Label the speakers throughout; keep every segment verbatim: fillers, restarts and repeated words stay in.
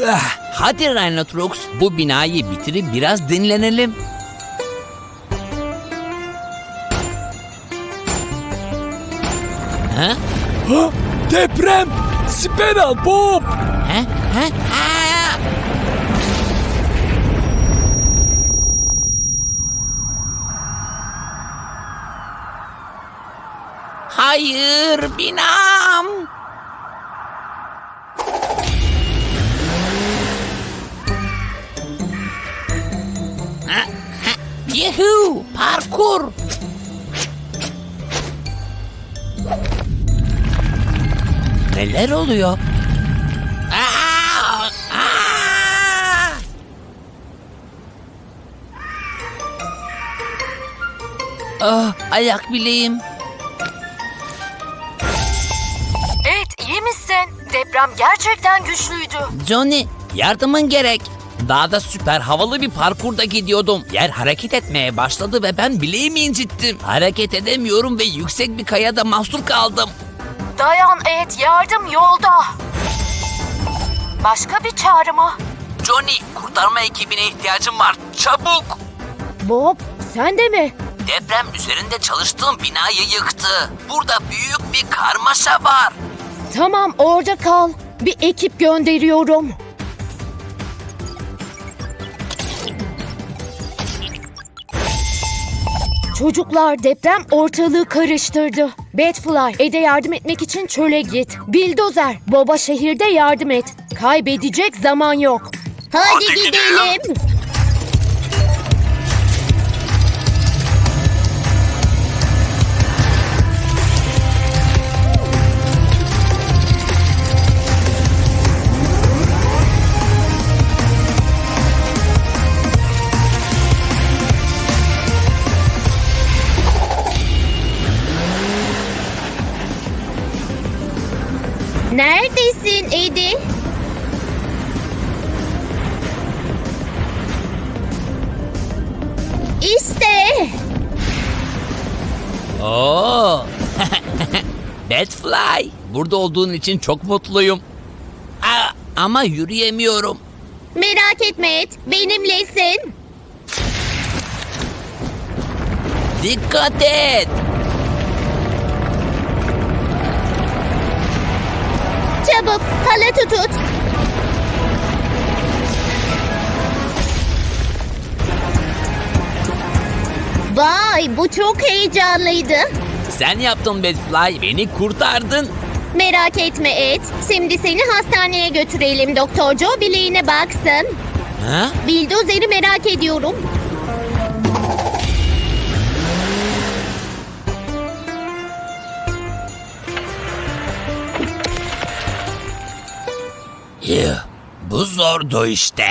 Speaker 1: Hadi Rhinotrox, bu binayı bitirip biraz dinlenelim. Ha?
Speaker 2: Ha, deprem! Siper al Bob!
Speaker 1: Ha? Ha? Ha? Hayır, binam! Ha? Ha? Yuhuu, parkur! Neler oluyor? Aa! Aa! Ah, ayak bileğim.
Speaker 3: Evet, iyi misin? Deprem gerçekten güçlüydü.
Speaker 1: Johnny, yardımın gerek. Dağda süper havalı bir parkurda gidiyordum. Yer hareket etmeye başladı ve ben bileğimi incittim. Hareket edemiyorum ve yüksek bir kayada mahsur kaldım.
Speaker 3: Dayan Ed, yardım yolda. Başka bir çağrı mı?
Speaker 1: Johnny, kurtarma ekibine ihtiyacım var. Çabuk!
Speaker 3: Bob, sen de mi?
Speaker 1: Deprem üzerinde çalıştığım binayı yıktı. Burada büyük bir karmaşa var.
Speaker 3: Tamam, orada kal. Bir ekip gönderiyorum. Çocuklar, deprem ortalığı karıştırdı. Batfly, Ed'e yardım etmek için çöle git. Bildozer, Bob'a şehirde yardım et. Kaybedecek zaman yok. Hadi,
Speaker 1: Hadi
Speaker 3: gidelim.
Speaker 1: gidelim.
Speaker 3: Neredesin Edi? İşte.
Speaker 1: Oo. Batfly, burada olduğun için çok mutluyum. Aa, ama yürüyemiyorum.
Speaker 3: Merak etme Ed, benimlesin.
Speaker 1: Dikkat et.
Speaker 3: Çabuk, halatı tut. Vay, bu çok heyecanlıydı.
Speaker 1: Sen yaptın Batfly, beni kurtardın.
Speaker 3: Merak etme Ed, şimdi seni hastaneye götürelim. Doktor Joe bileğine baksın.
Speaker 1: Ha?
Speaker 3: Bildozeri merak ediyorum.
Speaker 1: Yuh, bu zordu işte.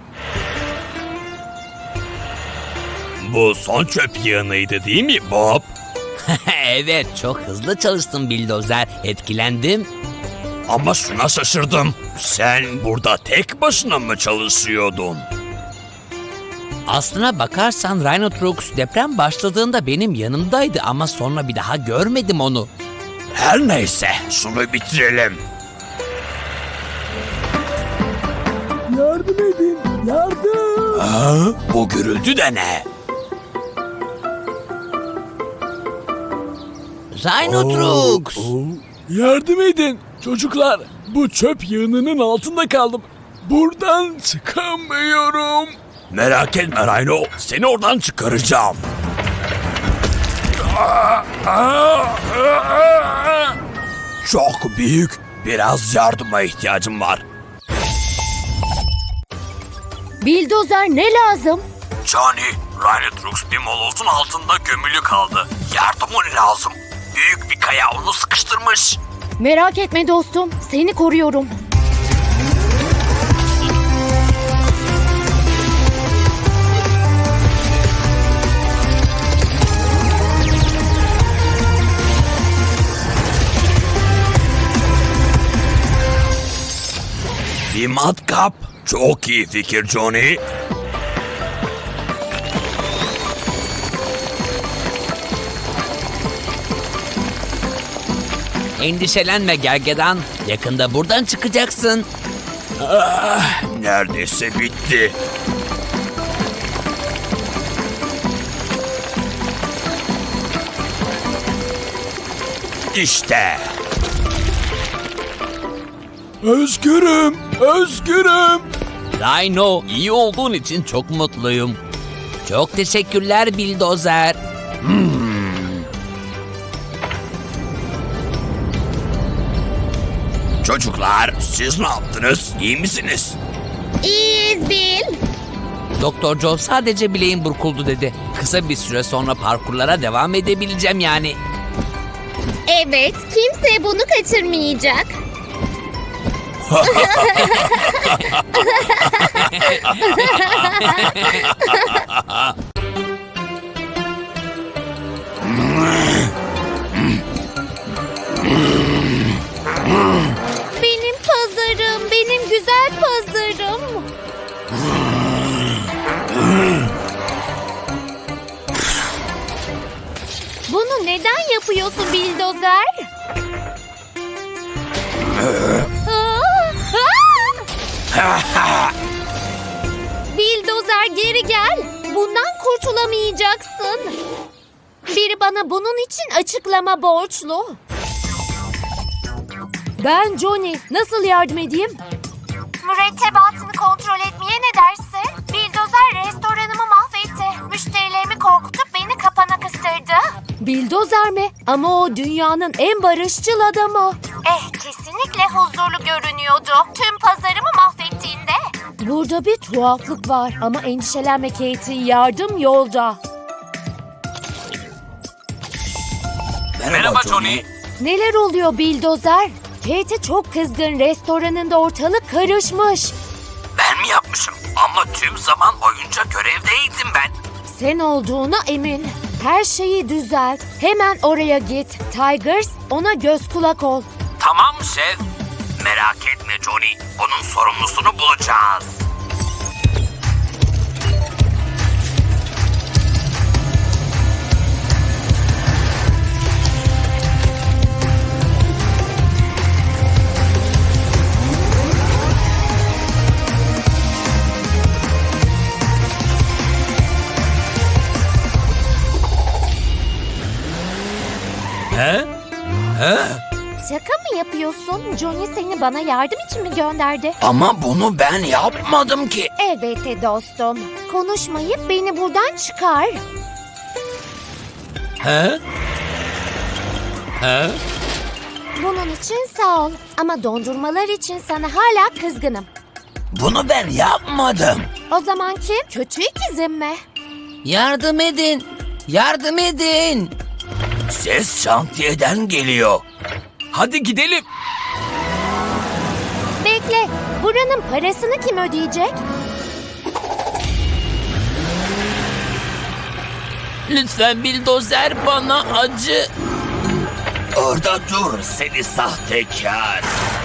Speaker 2: Bu son çöp yığınıydı değil mi Bob?
Speaker 1: Evet, çok hızlı çalıştın Bildozer. Etkilendim.
Speaker 2: Ama şuna şaşırdım. Sen burada tek başına mı çalışıyordun?
Speaker 1: Aslına bakarsan Rhinotrox deprem başladığında benim yanımdaydı ama sonra bir daha görmedim onu.
Speaker 2: Her neyse, şunu bitirelim. Yardım edin, yardım. Ha, bu gürültü de ne?
Speaker 1: Rhinotrox!
Speaker 2: Oo, oo. Yardım edin çocuklar. Bu çöp yığınının altında kaldım. Buradan çıkamıyorum. Merak etme Rhino. Seni oradan çıkaracağım. Çok büyük. Biraz yardıma ihtiyacım var.
Speaker 3: Bildozer ne lazım?
Speaker 2: Johnny, Rhinotrox bir molozun altında gömülü kaldı. Yardımın lazım. Büyük bir kaya onu sıkıştırmış.
Speaker 3: Merak etme dostum, seni koruyorum.
Speaker 2: Bir matkap. Çok iyi fikir Johnny.
Speaker 1: Endişelenme Gergedan. Yakında buradan çıkacaksın.
Speaker 2: Ah, neredeyse bitti. İşte. Özgürüm, özgürüm.
Speaker 1: Rhino, iyi olduğun için çok mutluyum. Çok teşekkürler Bildozer.
Speaker 2: Çocuklar, siz ne yaptınız? İyi misiniz?
Speaker 3: İyiyiz Bil.
Speaker 1: Doktor Joe sadece bileğim burkuldu dedi. Kısa bir süre sonra parkurlara devam edebileceğim yani.
Speaker 3: Evet, kimse bunu kaçırmayacak. Benim pazarım, benim güzel pazarım. Bunu neden yapıyorsun Bildozer? Bildozer geri gel. Bundan kurtulamayacaksın. Biri bana bunun için açıklama borçlu. Ben Johnny. Nasıl yardım edeyim?
Speaker 4: Mürettebatını kontrol etmeye ne dersin? Bildozer restoranımı mahvetti. Müşterilerimi korkutup beni kapana kıstırdı.
Speaker 3: Bildozer mi? Ama o dünyanın en barışçıl adamı.
Speaker 4: Eh, kesinlikle huzurlu görünüyordu. Tüm pazarımı mahvettiğinde.
Speaker 3: Burada bir tuhaflık var ama endişelenme Katie. Yardım yolda.
Speaker 2: Merhaba Johnny.
Speaker 3: Neler oluyor Bildozer? Katie çok kızgın. Restoranında ortalık karışmış.
Speaker 1: Ben mi yapmışım? Ama tüm zaman boyunca görevdeydim ben.
Speaker 3: Sen olduğuna emin. Her şeyi düzelt. Hemen oraya git. Tigers, ona göz kulak ol.
Speaker 1: Tamam şef. Merak etme Johnny. Bunun sorumlusunu bulacağız. He? He?
Speaker 3: Şaka mı yapıyorsun? Johnny seni bana yardım için mi gönderdi?
Speaker 1: Ama bunu ben yapmadım ki.
Speaker 3: Elbette dostum. Konuşmayıp beni buradan çıkar.
Speaker 1: He? He?
Speaker 3: Bunun için sağ ol. Ama dondurmalar için sana hala kızgınım.
Speaker 1: Bunu ben yapmadım.
Speaker 3: O zaman kim? Kötü ikizim mi?
Speaker 1: Yardım edin. Yardım edin.
Speaker 2: Ses şantiyeden geliyor. Hadi gidelim.
Speaker 3: Bekle. Buranın parasını kim ödeyecek?
Speaker 1: Lütfen Bildozer bana acı.
Speaker 2: Orada dur seni sahtekar.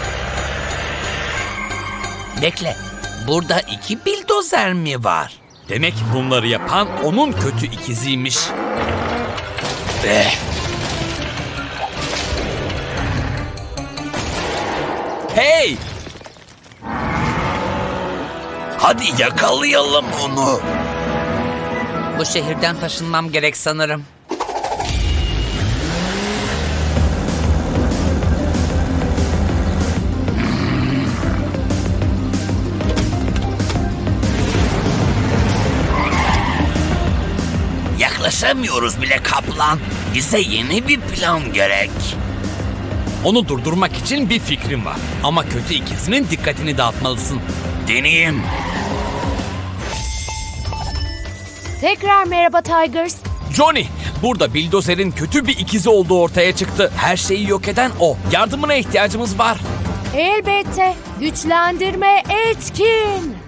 Speaker 1: Bekle. Burada iki bildozer mi var?
Speaker 2: Demek bunları yapan onun kötü ikiziymiş. Eh. Hey! Hadi yakalayalım onu.
Speaker 1: Bu şehirden taşınmam gerek sanırım.
Speaker 2: Yaklaşamıyoruz bile kaplan. Bize yeni bir plan gerek.
Speaker 5: Onu durdurmak için bir fikrim var. Ama kötü ikizinin dikkatini dağıtmalısın.
Speaker 2: Deneyeyim.
Speaker 3: Tekrar merhaba Tigers.
Speaker 5: Johnny, burada Bildozer'in kötü bir ikizi olduğu ortaya çıktı. Her şeyi yok eden o. Yardımına ihtiyacımız var.
Speaker 3: Elbette. Güçlendirme etkin.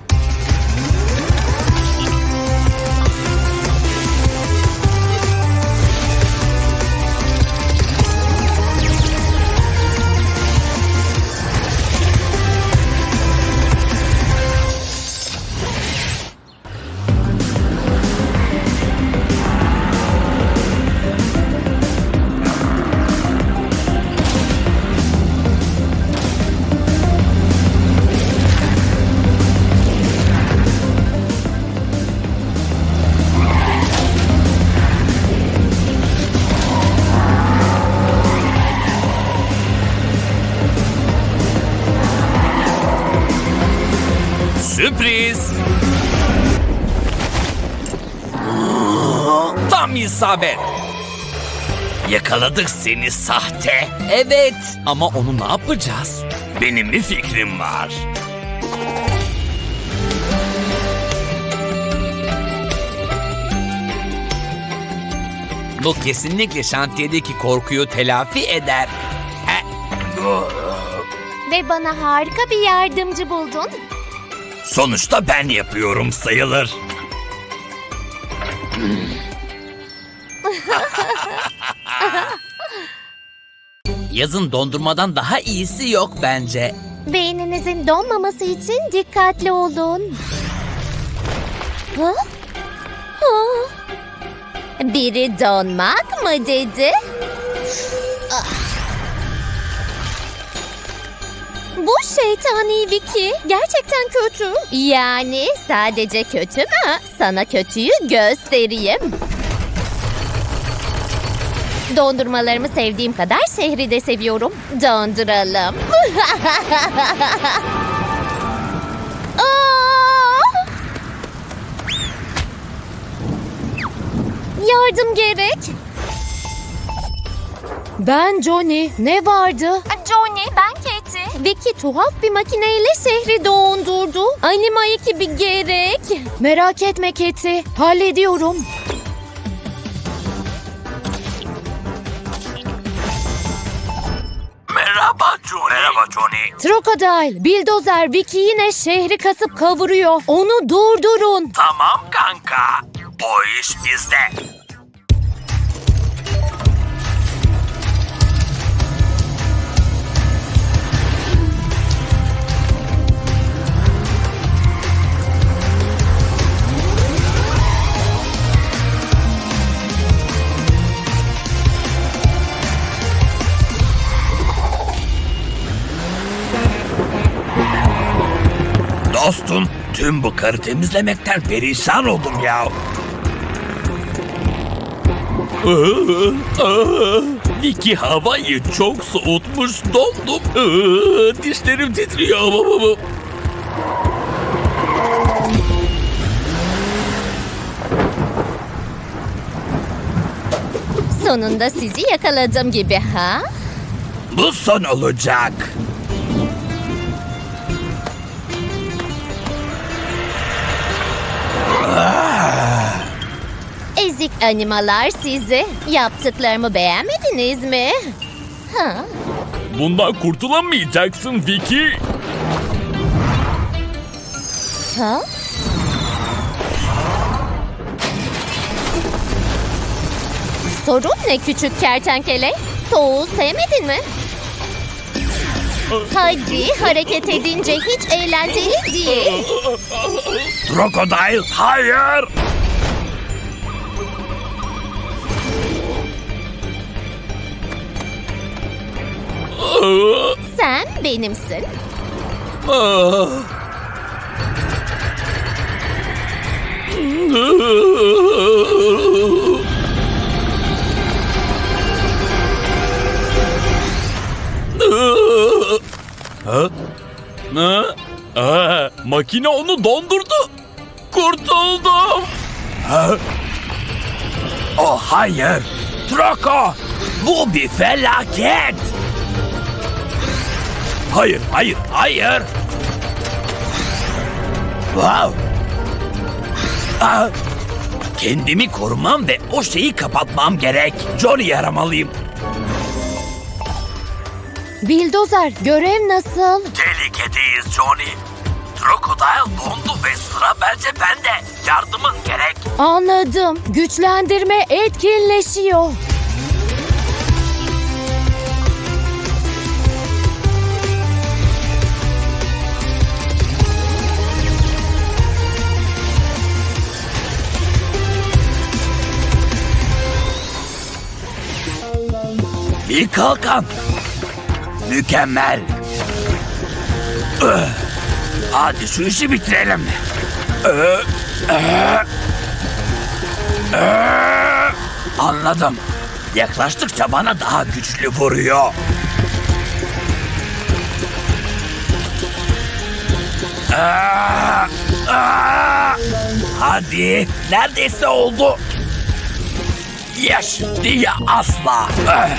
Speaker 5: Tam isabet.
Speaker 1: Yakaladık seni sahte.
Speaker 5: Evet. Ama onu ne yapacağız?
Speaker 1: Benim bir fikrim var.
Speaker 5: Bu kesinlikle şantiyedeki korkuyu telafi eder. He.
Speaker 4: Ve bana harika bir yardımcı buldun.
Speaker 1: Sonuçta ben yapıyorum sayılır.
Speaker 5: Yazın dondurmadan daha iyisi yok bence.
Speaker 4: Beyninizin donmaması için dikkatli olun. Ha? Ha? Biri donmak mı dedi? Ah. Bu şeytani Vicky gerçekten kötü. Yani sadece kötü mü? Sana kötüyü göstereyim. Dondurmalarımı sevdiğim kadar şehri de seviyorum. Donduralım. Aa! Yardım gerek.
Speaker 3: Ben Johnny. Ne vardı?
Speaker 4: Johnny, ben Katie. Vicky tuhaf bir makineyle şehri dondurdu. Anima ekibi gerek.
Speaker 3: Merak etme Keti. Hallediyorum.
Speaker 1: Merhaba Johnny. Merhaba Johnny.
Speaker 3: Crocodile, Bildozer, Vicky yine şehri kasıp kavuruyor. Onu durdurun.
Speaker 1: Tamam kanka. O iş bizde. Dostum, tüm bu karı temizlemekten perişan oldum ya. Vicky havayı çok soğutmuş, dondum. Dişlerim titriyor.
Speaker 4: Sonunda sizi yakaladım gibi ha?
Speaker 1: Bu son olacak.
Speaker 4: Ezik animalar sizi. Yaptıklarımı beğenmediniz mi? Ha?
Speaker 2: Bundan kurtulamayacaksın Vicky.
Speaker 4: Ha? Sorun ne küçük kertenkele? Soğuğu sevmedin mi? Hadi hareket edince hiç eğlenceli değil.
Speaker 1: Crocodile, hayır.
Speaker 4: Sen benimsin.
Speaker 2: Ha? Ha? Aa, makine onu dondurdu. Kurtuldum.
Speaker 1: Oh hayır. Troco, bu bir felaket. Hayır, hayır, hayır. Wow. Aa, kendimi korumam ve o şeyi kapatmam gerek. Johnny'yi aramalıyım.
Speaker 3: Bildozer, görev nasıl?
Speaker 1: Tehlikedeyiz Johnny. Crocodile dondu ve sıra bence bende. Yardımın gerek.
Speaker 3: Anladım. Güçlendirme etkinleşiyor.
Speaker 1: Bir kalkan. Mükemmel. Öh. Hadi şu işi bitirelim. Öh. Öh. Öh. Anladım. Yaklaştıkça bana daha güçlü vuruyor. Aa, aa. Hadi, neredeyse oldu.
Speaker 2: Yes diye asla. Eh.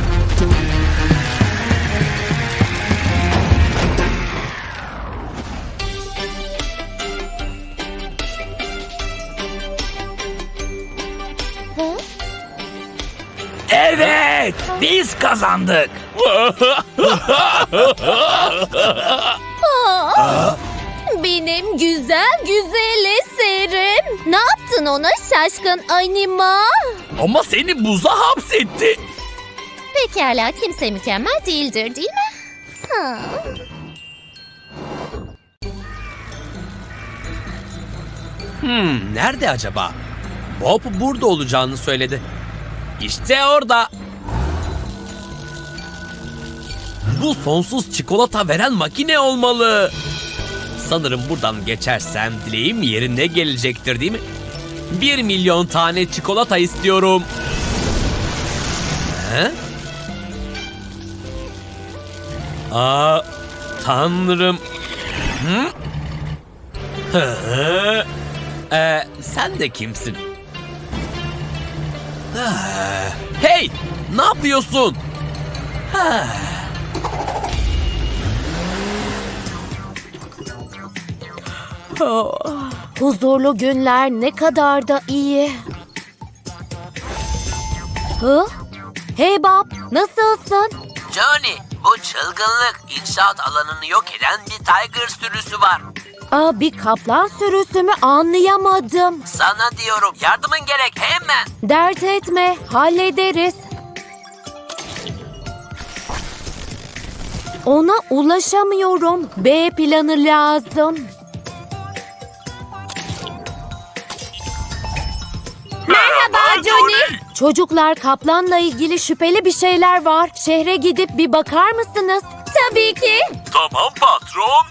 Speaker 2: Evet, biz kazandık.
Speaker 6: Benim güzel güzel eserim. Ne yaptın ona şaşkın anima?
Speaker 2: Ama seni buza hapsetti.
Speaker 6: Pekala kimse mükemmel değildir değil mi? Ha.
Speaker 5: Hmm, nerede acaba? Bob burada olacağını söyledi. İşte orada. Bu sonsuz çikolata veren makine olmalı. Sanırım buradan geçersem dileğim yerine gelecektir değil mi? Bir milyon tane çikolata istiyorum. He? Aa, tanrım. Hı? Hı? Ee, sen de kimsin? Ah, hey! Ne yapıyorsun? Ah.
Speaker 3: Huzurlu günler ne kadar da iyi. Hı? Hey Bob, nasılsın?
Speaker 1: Johnny, bu çılgınlık inşaat alanını yok eden bir tiger sürüsü var.
Speaker 3: Aa, bir kaplan sürüsü mü anlayamadım.
Speaker 1: Sana diyorum yardımın gerek hemen.
Speaker 3: Dert etme, hallederiz. Ona ulaşamıyorum. B planı lazım.
Speaker 6: Merhaba Johnny.
Speaker 3: Çocuklar, kaplanla ilgili şüpheli bir şeyler var. Şehre gidip bir bakar mısınız?
Speaker 6: Tabii ki.
Speaker 2: Tamam patron.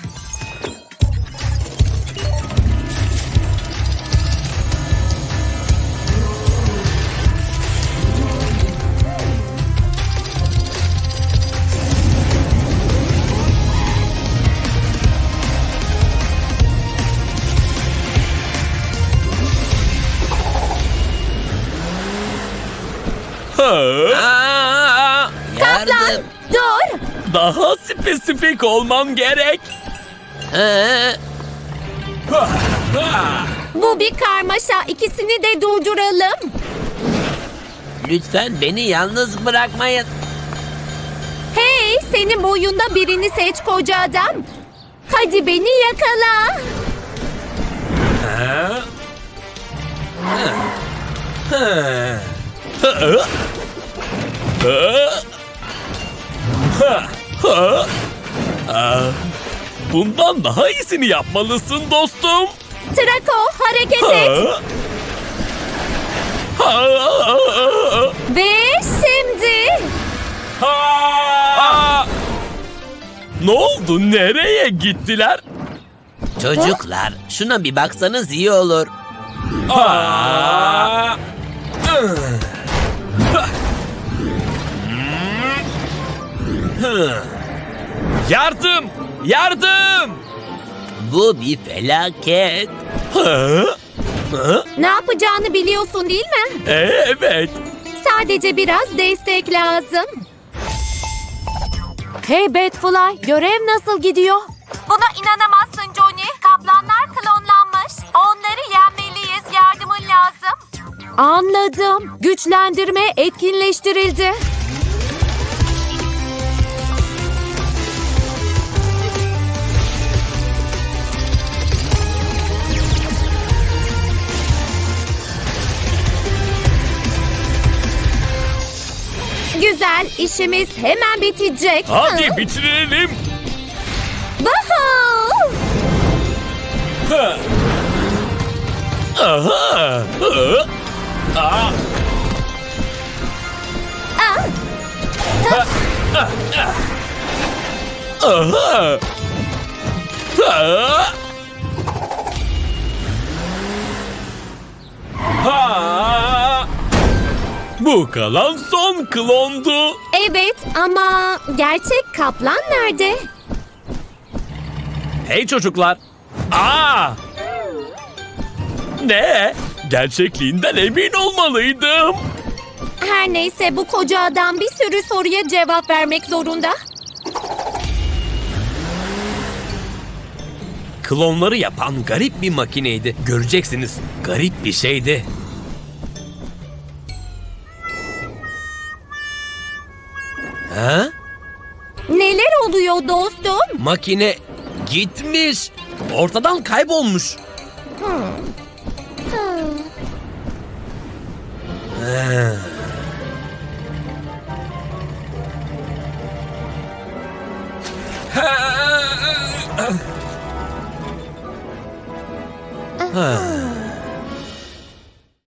Speaker 1: Aa, yardım.
Speaker 6: Dur.
Speaker 2: Daha spesifik olmam gerek.
Speaker 1: Ee,
Speaker 6: Bu bir karmaşa. İkisini de durduralım.
Speaker 1: lütfen beni yalnız bırakmayın.
Speaker 6: Hey, senin boyunda birini seç koca adam. Hadi beni yakala.
Speaker 2: Bundan daha iyisini yapmalısın dostum.
Speaker 6: Trako hareket et. Ve şimdi.
Speaker 2: Ne oldu? Nereye gittiler?
Speaker 1: Çocuklar şuna bir baksanız iyi olur.
Speaker 2: Aa! Yardım! Yardım!
Speaker 1: Bu bir felaket.
Speaker 6: Ne yapacağını biliyorsun değil mi?
Speaker 2: Evet.
Speaker 6: Sadece biraz destek lazım.
Speaker 3: Hey Batfly, görev nasıl gidiyor?
Speaker 4: Buna inanamazsın Johnny. Kaplanlar klonlanmış. Onları yenmeliyiz. Yardımın lazım.
Speaker 3: Anladım. Güçlendirme etkinleştirildi.
Speaker 6: Güzel, işimiz hemen bitecek.
Speaker 2: Hadi bitirelim.
Speaker 6: Woohoo!
Speaker 2: Aha. Aa. Aha. Aa. Ha. Bu kalan son klondu.
Speaker 6: Evet ama gerçek kaplan nerede?
Speaker 2: Hey çocuklar. Aa! Ne? Gerçekliğinden emin olmalıydım.
Speaker 6: Her neyse bu koca adam bir sürü soruya cevap vermek zorunda.
Speaker 5: Klonları yapan garip bir makineydi. Göreceksiniz, garip bir şeydi. Ha?
Speaker 6: Neler oluyor dostum?
Speaker 5: Makine gitmiş. Ortadan kaybolmuş. Ha. Ha.